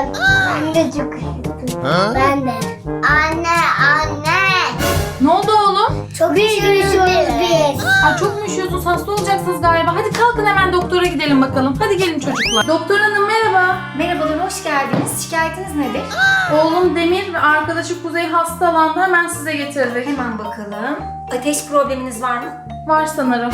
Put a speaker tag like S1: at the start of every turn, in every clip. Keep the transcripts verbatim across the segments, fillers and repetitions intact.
S1: üşüdüm. Ben de çok üşüdüm. Ben de. Anne, anne.
S2: Ne oldu oğlum?
S1: Çok üşüyoruz biz.
S2: Ay çok mu üşüyorsunuz? Hasta olacaksınız galiba. Hadi kalkın hemen doktora gidelim bakalım. Hadi gelin çocuklar. Doktor hanım merhaba.
S3: Merhabalar, hoş geldiniz. Şikayetiniz nedir?
S2: Oğlum Demir ve arkadaşı Kuzey hastalandı. Hemen size getirdik.
S3: Hemen bakalım. Ateş probleminiz var mı?
S2: Var sanırım.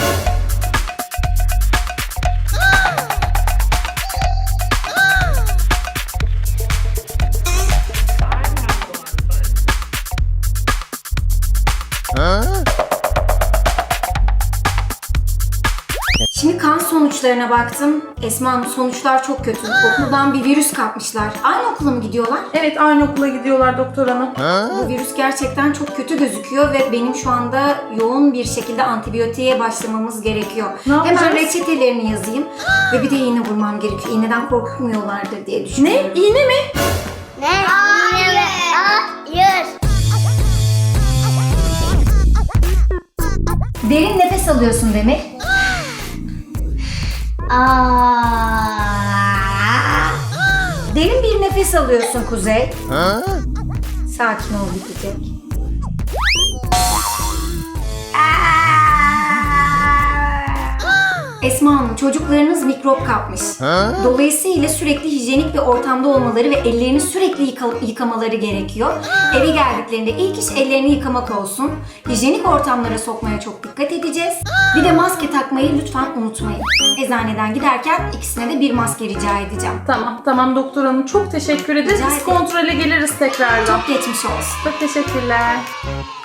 S3: Şimdi kan sonuçlarına baktım. Esma Hanım, sonuçlar çok kötü. Okuldan bir virüs kapmışlar. Aynı okula mı gidiyorlar?
S2: Evet aynı okula gidiyorlar doktor hanım.
S3: Bu virüs gerçekten çok kötü gözüküyor ve benim şu anda yoğun bir şekilde antibiyotiğe başlamamız gerekiyor.
S2: Ne yapacağız?
S3: Hemen reçetelerini yazayım ve bir de iğne vurmam gerekiyor. İğneden korkmuyorlardır diye düşünüyorum.
S2: Ne? İğne mi?
S1: Ne? Hayır. Hayır.
S3: Derin nefes alıyorsun Demir.
S1: Aa.
S3: Derin bir nefes alıyorsun Kuzey. Sakin ol, bitecek. Esma Hanım, çocuklarınız mikrop kapmış. Dolayısıyla sürekli hijyenik bir ortamda olmaları ve ellerini sürekli yıka- yıkamaları gerekiyor. Eve geldiklerinde ilk iş ellerini yıkamak olsun. Hijyenik ortamlara sokmaya çok dikkat edeceğiz. Bir de maske takmayı lütfen unutmayın. Eczaneden giderken ikisine de bir maske rica edeceğim.
S2: Tamam tamam doktor hanım. Çok teşekkür ederiz.
S3: Rica
S2: Biz
S3: ederim.
S2: kontrole geliriz tekrardan.
S3: Çok geçmiş olsun.
S2: Çok teşekkürler.